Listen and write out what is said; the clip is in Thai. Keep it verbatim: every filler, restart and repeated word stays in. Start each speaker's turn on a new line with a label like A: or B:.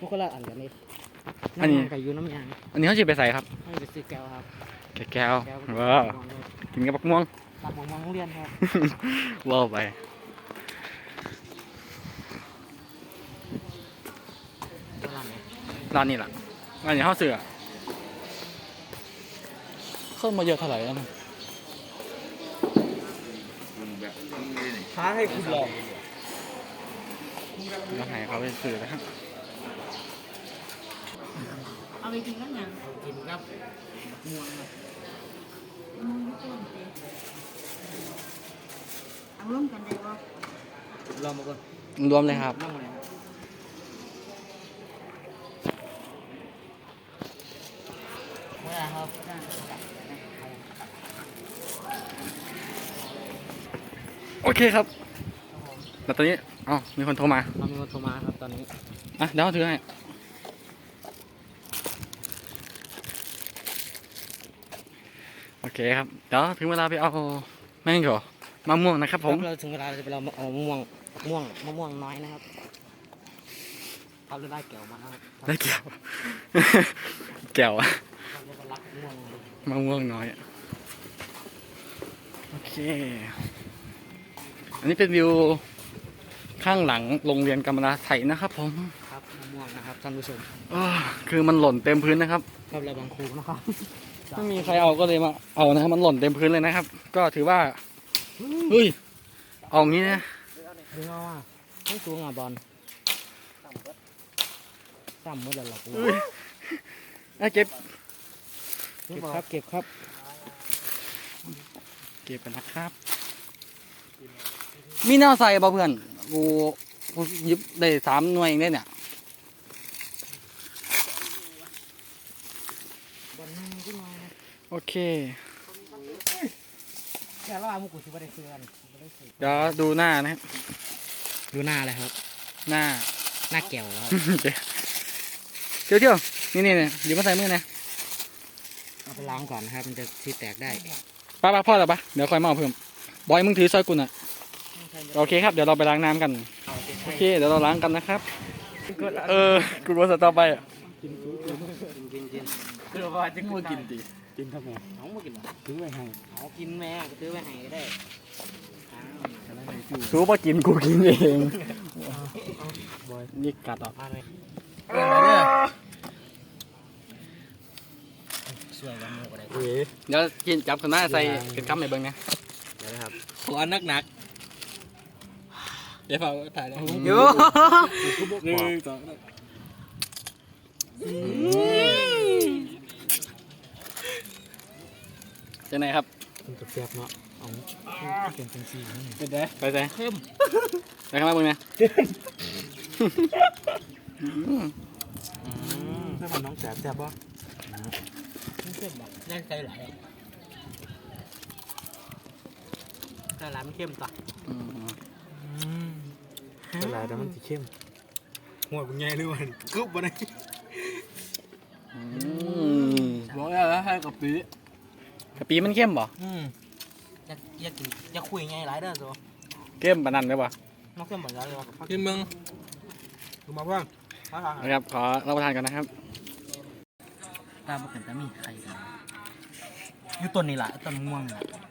A: มันคนละอันกันนี่
B: อันนี้
A: น้ำยางกับยูน้ำยาง
B: อันนี้เขาจะไปใส่ครับ
A: ให้ไปซื้อแก้วครับ
B: แก้ว
A: แก้ว
B: ว้าวกินกับบักม่วง
A: ตามของมองโรงเรียนครับ
B: ว้าวไปร้านนี้ล่ะร้านนี้เขาเสือเข้ามาเยอะเท่าไหร่แล้วนะ
A: ท้าให้คุณลอง
B: แล้วไหนเขาไปซื้อนะครับ
C: เอาไปกินกันยัง
A: กินครับม่วงครับ
C: มึงต้นเตะเอาร่วมกันได้บ่
A: ลองมาก่อน
B: รวมเลยครับ
A: นั่งเลยครับเมื่อครับ
B: โอเคครับแล้วตอนนี้อ๋อมีคนโทรมา
A: เรามีคนโทรมาครับตอนนี้
B: อ่ะเดี๋ยวเขาถือให้โอเคครับเดี๋ยวถึงเวลาไปเอาแม่งเหรอมะม่วงนะครับผม
A: เราถึงเวลาเราจะไปเราเอามะม่วงมะม่วงมะม่วงน้อยนะครับเอาเราได้แก้วมาครับ
B: ได้แก้ว แก้วอะ
A: เราจะไปรับม่วง
B: มะม่วงน้อยโอเค อันนี้เป็นวิวข้างหลังโรงเรียนกำมะลาไทยนะครับผม
A: ครับมะม่วงนะครับท่านผู้ชม
B: อ้อคือมันหล่นเต็มพื้นนะครับ
A: ครับเราบางครูนะครับ
B: ไม่มีใครเอาก็เลยมาเอานะครับมันหล่นเต็มพื้นเลยนะครับ ก็ถือว่าเฮ้ยเอางี้นะ
A: ดึงเอาว่าต้องสูงอ่ะบอลซ้ำเมื่อไหร่หรอก
B: เฮ้ยอ่ะเก็บ
A: เก็บครับเก็บครับ
B: เก็บกันนะครับ มีแนวใส่บ่เพื่อนกูกูหยิบได้สามหน่วยเองได้เนี่ย
A: บอลนั่งขึ้นมานะ
B: โอเค
A: แค่ว่ามุกุชิบะได้ซื้อกันบ่ได้ซื้อ
B: เดี๋ยวดูหน้านะครับ
A: ดูหน้าเลยครับ
B: หน้า
A: หน้าแก้วครับ
B: เที่ยวเที่ยวนี่นี่นี่หยิบมาใส่มือนะ
A: เอาไปล้างก่อนนะครับ มันจะซีแตกได้
B: ป้าป้าพ่อหรอปะเดี๋ยวคอยมาเอาเพิ่มบอยมึงถือซอยกุน่ะโอเคครับเดี๋ยวเราไปล้างน้ำกันโอเคเดี๋ยวเราล้างกันนะครับเออกูรู้สต่อไปอ่ะ
A: กินกินกิน
B: เดี๋ยวว่าจะงูกินดี
A: กินทำไมน้องมากินหรอซื้อไว้ให้เอากินแม่ก็ซื้อไว้ให้ก็ได้อ้าวอะไรไหนจู
B: สู้ป่ะกินกูกินเองนี่กัดออก
A: มาเลย
B: เออ
A: ช่วยกันหมดก็ได้
B: เดี๋ยวกินจับขึ้นมาใส่เป็นคำในเบิ้งนะ
A: เดี๋ยวนะครับ
B: ขอนักหนักเดี๋ยวฝากถ่ายนะ
A: เยอะ
B: หนึ่งสองจะไหนครับ
A: มันจะแซ่บเนาะเอาเป็นเป็นสีนี่
B: เป็นไงไปใส่
A: เข้ม
B: ไปข้างล่างมึงนะ
A: เพื่อนน้องแซ่บแซ่บปะไม่เข้มหรอกแน่ใจไหลแต่ร้านมันเข้มต่ะแต่ร้านแต่มันจะเข้มหัวเป็นไงด้วยมันกึ๊บมาได้
B: บอกแล้วให้กะปิกะปิมันเข้มบ่
A: อืมอยากอยากกินอยากคุยไงหลายเด้อตัว
B: เข้มปานนั้นเลยบ่
A: น้องเข้มเหมือนกันเลยวะ
B: กินมึง
A: ดูมาเพื่อนมาทาน
B: นะครับขอรับประทานกันนะครับ
A: ตามมาเป็นตามีไข่กันอยู่ต้นนี่แหละต้นม่วงนี่แหละ